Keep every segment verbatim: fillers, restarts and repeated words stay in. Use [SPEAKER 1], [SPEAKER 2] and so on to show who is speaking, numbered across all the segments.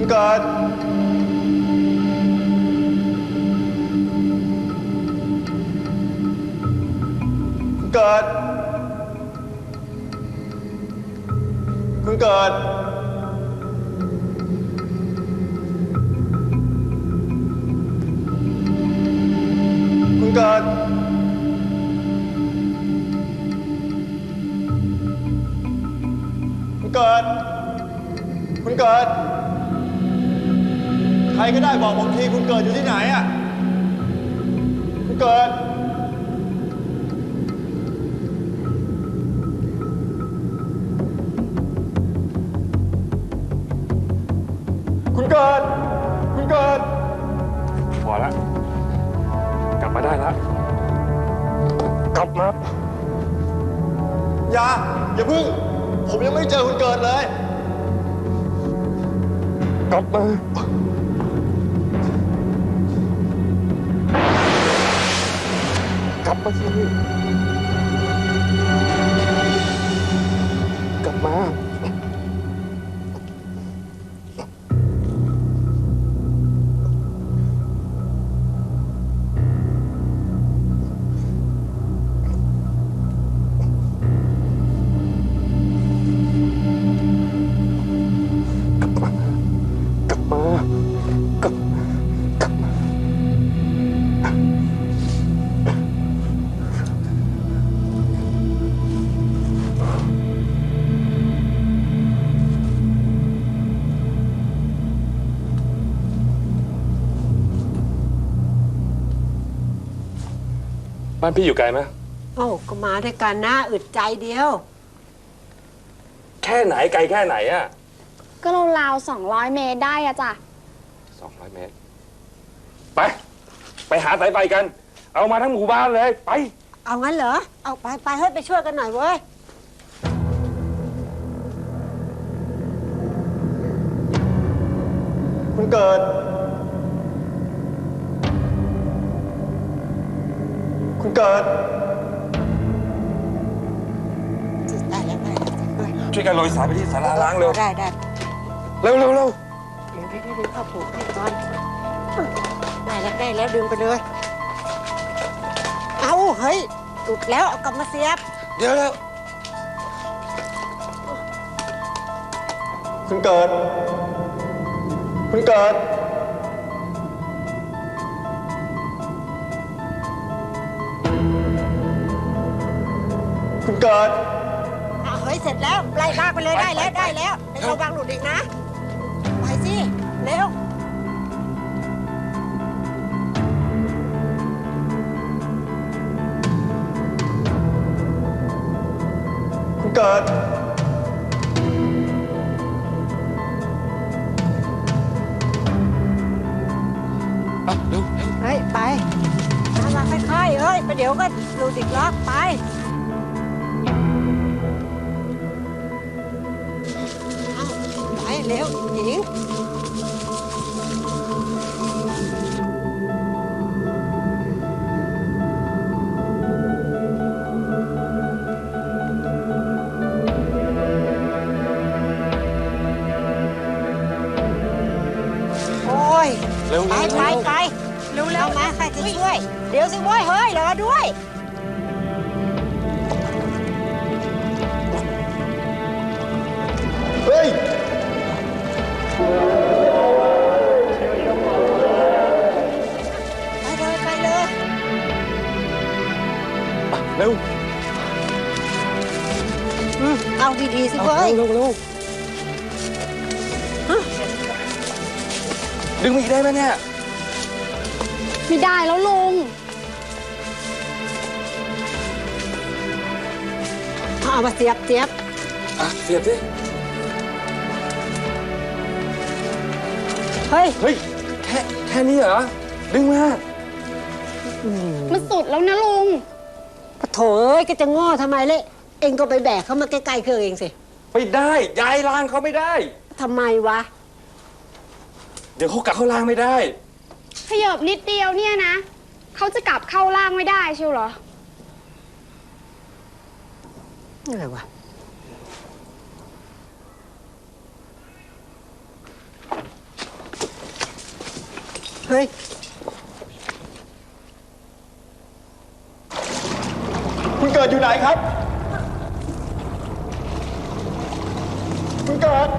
[SPEAKER 1] เกิดคุณเกิดคุณเกิดคุณเกิดคุณเกิดคุณเกิดใครก็ได้บอกผมทีคุณเกิดอยู่ที่ไหนอ่ะคุณเกิดคุณเกิดคุณเกิด
[SPEAKER 2] พอแล้วกลับมาได้แล้วกลับมา
[SPEAKER 1] อย่าอย่าพึ่งผมยังไม่เจอคุณเกิดเลย
[SPEAKER 2] กลับมากลับมาสิกลับมาบ้านพี่อยู่ไกลไหม
[SPEAKER 3] โอ้ก็มาด้วยกันนะอึดใจเดียว
[SPEAKER 2] แค่ไหนไกลแค่ไหนอะ
[SPEAKER 4] ก็ราวๆสองร้อยเมตรได้อะจ้ะ
[SPEAKER 2] สองร้อยเมตรไปไปหาสายไฟกันเอามาทั้งหมู่บ้านเลยไป
[SPEAKER 3] เอางั้นเหรอเอาไปไปเฮ้ยไปช่วยกันหน่อยเว้ย
[SPEAKER 1] คุณเกิดคุณเกิด
[SPEAKER 3] ได้แล้วได้แล้ว
[SPEAKER 2] ช่วยกันโรยสายไปที่ศาลาล้างเร็ว
[SPEAKER 3] ได้ได้
[SPEAKER 2] เร็วเร็วเร็ว
[SPEAKER 3] เดี๋ยวเดี๋ยวเดี๋ยวเข้าผูกให้ก่อนได้แล้วได้แล้วดึงไปเลยเอาเฮ้ยตุดแล้วเอากลับมาเสียบ
[SPEAKER 2] เดี๋ยวแล้ว
[SPEAKER 1] คุณเกิดคุณเกิดคุณเกิด
[SPEAKER 3] เอาเฮ้ยเสร็จแล้วไล่ลากไปเลยได้แล้วได้แล้วเดี๋ยวระวังหลุดอีกนะไปสิเร็ว
[SPEAKER 1] คุณเกิด
[SPEAKER 2] เร็ว
[SPEAKER 3] เฮ้ยไปมามาค่อยๆเฮ้ยไปเดี๋ยวก็หลุดอีกล็อกไปไปเร็วหญิงโอ้ยไปไปไปเร็วเร็วมาใครจะช่วยเดี๋ยวสิเว้ยเฮ้ยรอด้วย
[SPEAKER 1] เฮ้ย
[SPEAKER 3] ไปเลยไปเลย
[SPEAKER 2] เร็ว
[SPEAKER 3] เอาดีๆสิเว้ย
[SPEAKER 2] เร็วเร็วดึงมาอีกได้ไหมเนี่ย
[SPEAKER 4] ไม่ได้แล้วลุง
[SPEAKER 3] เอามาเสียบเสียบ
[SPEAKER 2] อ่ะเสียบสิ
[SPEAKER 3] เฮ้ย
[SPEAKER 2] เฮ้ยแค่แค่นี้เหรอดึงมา
[SPEAKER 4] มันสุดแล้วนะลุง
[SPEAKER 3] ปะโถเอ้ยก็จะง้อทำไมเละเองก็ไปแบกเขามาใกล้ๆเครื่องเองสิ
[SPEAKER 2] ไม่ได้ย้ายรางเขาไม่ได้
[SPEAKER 3] ทำไมวะ
[SPEAKER 2] เดี๋ยวเขากลับเข้ารางไม่ได้
[SPEAKER 4] ขยับนิดเดียวเนี่ยนะเขาจะกลับเข้าร่างไม่ได้ใช่เหรอ
[SPEAKER 3] อะไรวะเฮ้ย
[SPEAKER 1] คุณเกิดอยู่ไหนครับ คุณเกิด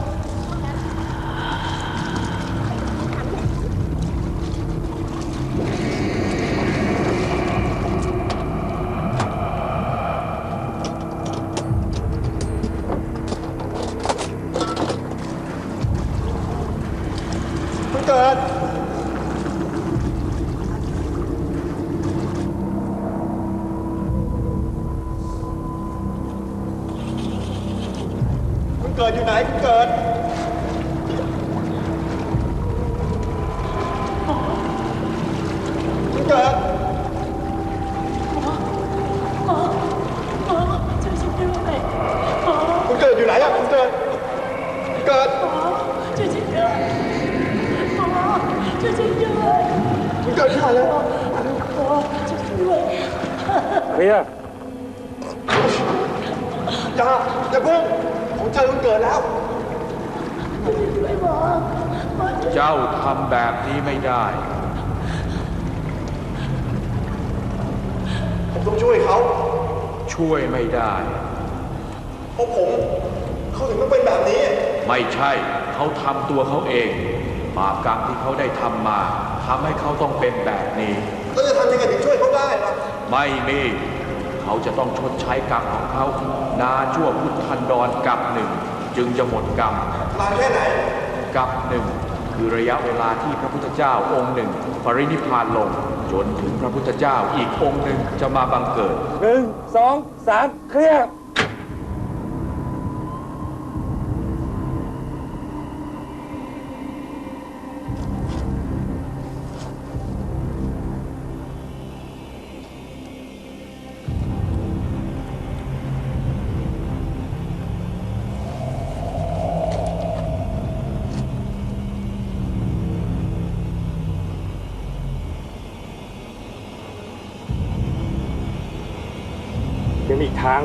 [SPEAKER 1] คุณเกิด คุณเกิดอยู่ไหน คุณเกิด คุณเกิด คุณเกิดอยู่ไหนอะคุณเกิด คุณเกิด คุณเกิดที่ไหนแล้ว
[SPEAKER 2] เคลียร์
[SPEAKER 1] อย่าอย่าเพิ่งผมเจอคุณเกิดแล้ว
[SPEAKER 5] เจ้าทำแบบนี้ไม่ได้
[SPEAKER 1] ผมต้องช่วยเขา
[SPEAKER 5] ช่วยไม่ได้
[SPEAKER 1] เพราะผมเขาถึงต้องเป็นแบบนี้
[SPEAKER 5] ไม่ใช่เขาทำตัวเขาเองบาปกรรมที่เขาได้ทำมาทำให้เขาต้องเป็นแบบนี้
[SPEAKER 1] แล้วจะทำยังไงถึงช่วยเขาได้ล่ะ
[SPEAKER 5] ไม่มีเขาจะต้องชดใช้กรรมของเขานานชั่วพุทธันดรกับหนึ่งจึงจะหมดกรรม
[SPEAKER 1] นานแค่ไหน
[SPEAKER 5] กับหนึ่งคือระยะเวลาที่พระพุทธเจ้าองค์หนึ่งปรินิพพานลง จนถึงพระพุทธเจ้าอีกองค์หนึ่งจะมาบังเกิด
[SPEAKER 2] หนึ่งสองสามเคลียร์ ยังมีอีกทาง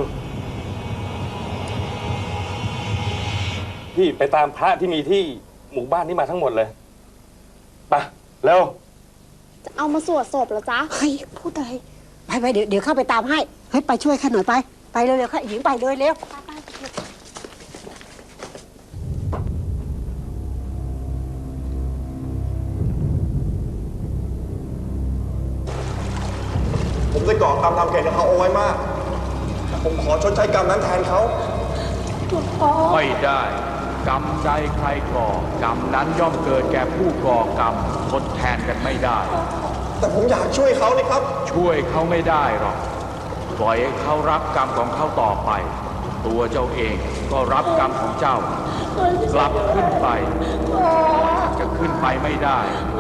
[SPEAKER 2] พี่ไปตามพระที่มีที่หมู่บ้านนี้มาทั้งหมดเลยไปเร็ว
[SPEAKER 4] จะเอามาสวดศพเหรอจ๊ะ
[SPEAKER 3] เฮ้ย พูดอะไร ไปไปเดี๋ยวเดี๋ยวเข้าไปตามให้ เฮ้ย ไปช่วยข้าหน่อยไป ไปเร็วๆข้าหญิงไปเลยเร็ว
[SPEAKER 1] ผมได้ก่อกรรมทำเกณฑ์กับเขาเอาไว้มากแต่ผมขอชดใช้กรรมนั้นแทนเขา
[SPEAKER 5] ไม่ได้ กรรมใดใครก่อกรรมนั้นย่อมเกิดแก่ผู้ก่อกรรมทดแทนกันไม่ได้
[SPEAKER 1] แต่ผมอยากช่วยเขานี่ครับ
[SPEAKER 5] ช่วยเขาไม่ได้หรอกปล่อยให้เขารับกรรมของเขาต่อไป ตัวเจ้าเองก็รับกรรมของเจ้ากลับขึ้นไปจะขึ้นไปไม่ได้